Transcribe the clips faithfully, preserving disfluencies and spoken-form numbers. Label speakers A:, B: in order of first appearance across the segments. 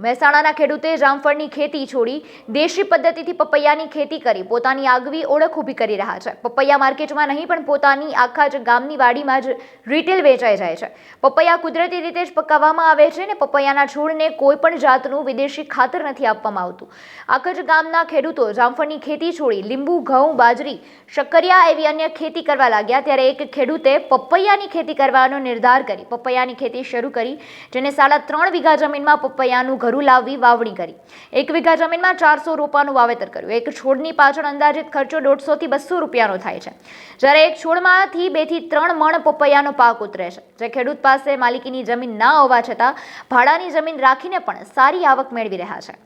A: મહેસાણાના ખેડૂતે જામફળની ખેતી છોડી દેશી પદ્ધતિથી પપૈયાની ખેતી કરી પોતાની આગવી ઓળખ ઊભી કરી રહ્યા છે। પપૈયા માર્કેટમાં નહીં પણ પોતાની આખા જ ગામની વાડીમાં જ રિટેલ વેચાઈ જાય છે। પપૈયા કુદરતી રીતે જ પકાવવામાં આવે છે ને પપૈયાના છોડને કોઈ પણ જાતનું વિદેશી ખાતર નથી આપવામાં આવતું। આખા જ ગામના ખેડૂતો જામફળની ખેતી છોડી લીંબુ, ઘઉં, બાજરી, શક્કરિયા એવી અન્ય ખેતી કરવા લાગ્યા ત્યારે એક ખેડૂતે પપૈયાની ખેતી કરવાનો નિર્ધાર કરી પપૈયાની ખેતી શરૂ કરી, જેને સાડા ત્રણ વીઘા જમીનમાં પપૈયાનું ઘરું લાવી વાવણી કરી। એક વીઘા જમીનમાં ચારસો રોપાનું વાવેતર કર્યું। એક છોડની પાછળ અંદાજિત ખર્ચો દોઢસો થી બસો રૂપિયાનો થાય છે, જ્યારે એક છોડમાંથી બે થી ત્રણ મણ પપૈયાનો પાક ઉતરે છે। જે ખેડૂત પાસે માલિકીની જમીન ના હોવા છતાં ભાડાની જમીન રાખીને પણ સારી આવક મેળવી રહ્યા છે।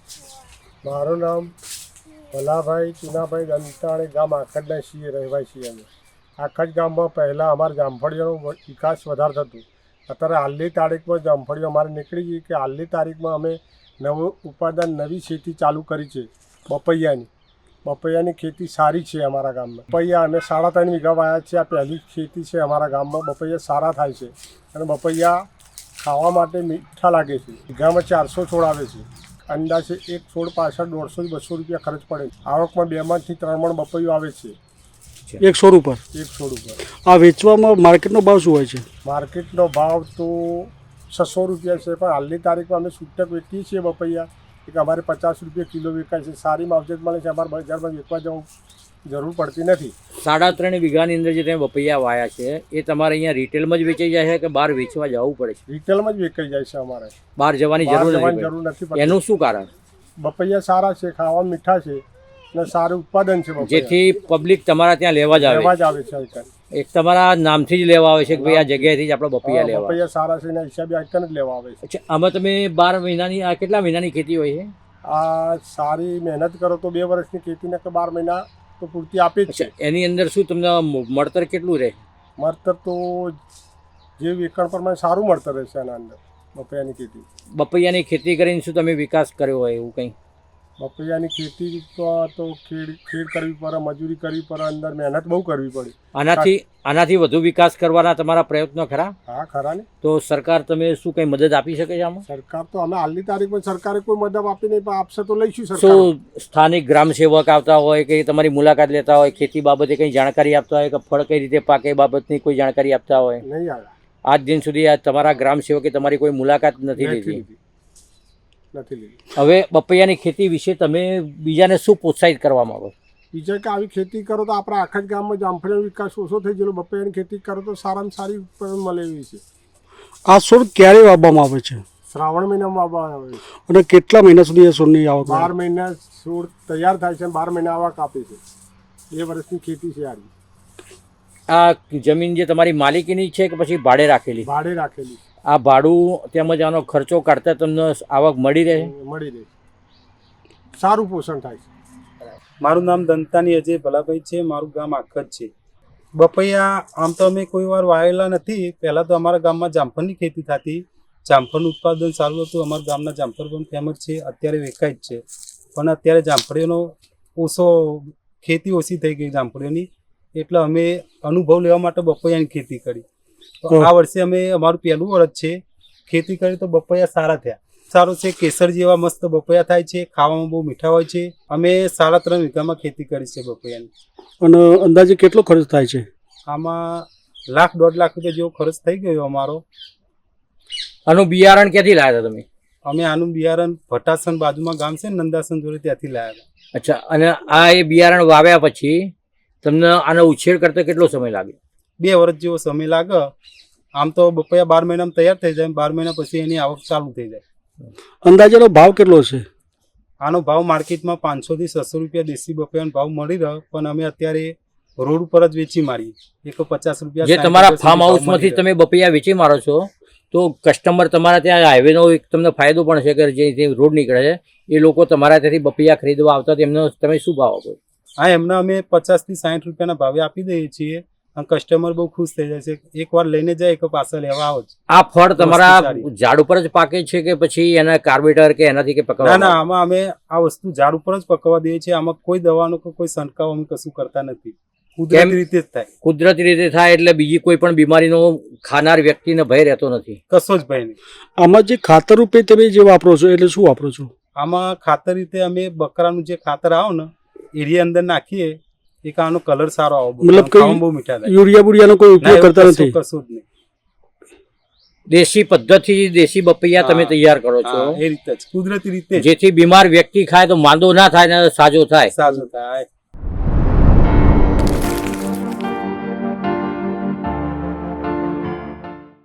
B: મારું નામ ભલાભાઈ ચુનાભાઈ દંતાણી, ગામ આખડના છીએ, રહેવાસી અમે। આખા જ ગામમાં પહેલાં અમારા જામફળીઓનો વિકાસ વધારે થતું। અત્યારે હાલની તારીખમાં જામફળીઓ અમારે નીકળી ગઈ કે હાલની તારીખમાં અમે નવું ઉત્પાદન, નવી ખેતી ચાલુ કરી છે પપૈયાની। પપૈયાની ખેતી સારી છે અમારા ગામમાં। પપૈયા અમે સાડા ત્રણ વીઘા વાયા છે। આ પહેલી ખેતી છે અમારા ગામમાં। પપૈયા સારા થાય છે અને પપૈયા ખાવા માટે મીઠા લાગે છે। વીઘામાં ચારસો છોડ આવે છે। અંદાજે એક છોડ પાછળ દોઢસો બસો રૂપિયા ખર્ચ પડે। આવકમાં બે મણથી ત્રણ મણ પપૈયું આવે છે
C: એક છોડ ઉપર
B: એક છોડ ઉપર।
C: આ વેચવામાં માર્કેટનો ભાવ શું હોય છે?
B: માર્કેટનો ભાવ તો છસો રૂપિયા છે, પણ હાલની તારીખમાં અમે છૂટક વેચીએ છીએ પપૈયા એક અમારે પચાસ રૂપિયા કિલો વેચાય છે। સારી માવજત મળે છે। અમારે બજારમાં વેચવા જવું જરૂર પડતી નથી।
D: સાડા ત્રણ વીઘાની અંદર જે તમે પપૈયા વાયા છે એ તમારે અહીંયા રિટેલમાં જ વેચાઈ જાય છે કે બહાર વેચવા જવું પડે છે?
B: રિટેલમાં જ વેચાઈ જાય છે અમારે,
D: બહાર જવાની જરૂર
B: જવાની જરૂર નથી પડતી।
D: એનું શું કારણ?
B: પપૈયા સારા છે, ખાવા મીઠા છે અને સારું ઉત્પાદન છે,
D: જેથી પબ્લિક તમારા ત્યાં લેવા જ
B: લેવા
D: આવે
B: જ આવે છે।
D: એક તમારા નામથી જ લેવા આવે છે કે ભાઈ આ જગ્યાએથી જ આપણે પપૈયા લેવા?
B: પપૈયા સારા છે એના હિસાબે આઈકન જ લેવા આવે છે।
D: અચ્છા, આમાં તમે બાર મહિનાની આ કેટલા મહિનાની ખેતી હોય છે?
B: આ સારી મહેનત કરો તો બે વર્ષની ખેતીને કે બાર મહિના તો પૂરતી આપે જ છે।
D: એની અંદર શું તમને મળતર કેટલું રહે?
B: મળતર તો જે એકણ પ્રમાણે સારું મળતર રહેશે એના અંદર પપૈયાની ખેતી।
D: પપૈયાની ખેતી કરીને શું તમે વિકાસ કર્યો હોય એવું કંઈ?
B: પપૈયાની ખેતી તો ખેડ ખેડ કરવી પડે, મજૂરી કરવી પડે, અંદર મહેનત બહુ કરવી પડે।
D: આનાથી આનાથી વધુ વિકાસ કરવાના તમારા પ્રયત્નો ખરા?
B: હા, ખરા ને।
D: તો સરકાર તમે શું કંઈ મદદ આપી શકે છે આમાં?
B: સરકાર તો અમે હાલની તારીખમાં સરકારે કોઈ મદદ આપી નહીં, પણ આપશે તો લઈશું સરકાર।
D: શું સ્થાનિક ગ્રામ સેવક આવતા હોય કે તમારી મુલાકાત લેતા હોય, ખેતી બાબતે કંઈ જાણકારી આપતા હોય કે ફળ કઈ રીતે પાકે એ બાબતની કોઈ જાણકારી આપતા હોય?
B: નહીં આવે।
D: આજ દિન સુધી આ તમારા ગ્રામ સેવકે તમારી કોઈ મુલાકાત નથી લીધી?
B: નથી લીધી।
D: હવે પપૈયાની ખેતી વિશે તમે બીજાને શું પ્રોત્સાહિત કરવા માંગો?
B: બીજા કે આવી ખેતી કરો તો આપણા આખા જ ગામમાં જામફળીનો વિકાસ ઓછો થઈ ગયેલો। પપૈયાની ખેતી કરો તો સારામાં સારી ઉત્પાદન મળે એવી છે।
C: આ છોડ ક્યારે વાવવામાં આવે છે?
B: શ્રાવણ મહિનામાં વાવવામાં આવે છે।
C: અને કેટલા મહિના સુધી એ છોડની આવક?
B: બાર મહિના છોડ તૈયાર થાય છે, બાર મહિના આવક આપે છે। બે વર્ષની ખેતી છે આની।
D: આ જમીન જે તમારી માલિકીની છે કે પછી ભાડે રાખેલી?
B: ભાડે રાખેલી।
D: આ ભાડું તેમજ આનો ખર્ચો કાઢતા તમને આવક મળી રહે?
B: મળી રહે, સારું પોષણ થાય છે।
E: મારું નામ દંતાની અજય ભલાભાઈ છે। મારું ગામ આખજ છે। પપૈયા આમ તો અમે કોઈ વાર વાવેલા નથી। પહેલાં તો અમારા ગામમાં જામફળની ખેતી થતી। જામફળનું ઉત્પાદન સારું હતું। અમારા ગામના જામફળ પણ ફેમસ છે, અત્યારે વેચાય જ છે। પણ અત્યારે જામફળીઓનો ઓછો ખેતી ઓછી થઈ ગઈ જામફળીઓની, એટલે અમે અનુભવ લેવા માટે પપૈયાની ખેતી કરી। તો આ વર્ષે અમે અમારું પહેલું વર્ષ છે ખેતી કરી, તો પપૈયા સારા થયા। સારું છે, કેસર જેવા મસ્ત પપૈયા થાય છે, ખાવામાં બહુ મીઠા હોય છે। અમે સાડા ત્રણ વીઘામાં ખેતી કરી છે પપૈયાની।
C: અને અંદાજે કેટલો ખર્ચ થાય છે
E: આમાં? લાખ દોઢ લાખ રૂપિયા જેવો ખર્ચ થઈ ગયો અમારો।
D: આનું બિયારણ ક્યાંથી લાવ્યા હતા તમે?
E: અમે આનું બિયારણ ભટાસન બાજુમાં ગામ છે નંદાસન જોડે, ત્યાંથી લાવ્યા હતા।
D: અચ્છા, અને આ એ બિયારણ વાવ્યા પછી તમને આનો ઉછેર કરતા કેટલો સમય લાગે?
E: બે વર્ષ જેવો સમય લાગે। આમ તો પપૈયા બાર મહિનામાં તૈયાર થઈ જાય, બાર મહિના પછી એની આવક ચાલુ થઈ જાય।
C: અંદાજેનો ભાવ કેટલો છે
E: આનો? ભાવ માર્કેટમાં પાંચસો થી છસો રૂપિયા દેશી પપૈયાનો ભાવ મળી રહ્યો, પણ અમે અત્યારે રોડ ઉપર જ વેચી મારીએ। એકસો પચાસ રૂપિયા
D: જે તમારા ફાર્મ હાઉસમાંથી તમે પપૈયા વેચી મારો છો, તો કસ્ટમર તમારા ત્યાં હાઈવેનો એક તમને ફાયદો પણ છે કે જે રોડ નીકળે છે એ લોકો તમારા ત્યાંથી પપૈયા ખરીદવા આવતા, તેમને તમે શું ભાવ આપો?
E: હા, એમને અમે પચાસ થી સાઠ રૂપિયાના ભાવે આપી દઈએ છીએ અને કસ્ટમર બહુ ખુશ થઈ જાય છે। એક વાર લઈને જાય કે પાછા લેવા આવો જ।
D: આ ફળ તમારા ઝાડ ઉપર જ પાકે છે કે પછી એના કાર્બેટર કે એનાથી કે પકવવા?
E: ના ના, આમાં અમે આ વસ્તુ ઝાડ ઉપર જ પકવવા દઈએ છીએ। આમાં કોઈ દવાનો કે કોઈ છંટકાવ અમે કશું કરતા નથી। કુદરતી રીતે જ થાય,
D: કુદરતી રીતે થાય એટલે બીજી કોઈ પણ બીમારીનો ખાનાર વ્યક્તિને ભય રહેતો નથી.
E: કશો જ ભય નહીં.
C: આમાં જે ખાતર રૂપે તમે જે વાપરો છો એટલે શું વાપરો છો?
E: આમાં ખાતર રીતે અમે બકરાનું જે ખાતર આવે ને એરિયા અંદર નાખીએ, એક આનો કલર સારો આવે,
C: મતલબ કઈ
E: ખાવામાં બહુ મીઠા થાય.
C: યુરિયા બુરિયાનો કોઈ
E: ના,
C: ઉપયોગ
E: એવું
C: કરતા
E: કશું-
C: નથી?
E: કશું જ નહીં.
D: દેશી પદ્ધતિ દેશી બપૈયા તમે
E: હા.
D: તૈયાર કરો છો,
E: હા, એ રીતે જ કુદરતી રીતે જ
D: જેથી બીમાર વ્યક્તિ ખાય તો માંદો ના થાય ને સાજો થાય.
E: સાજું થાય.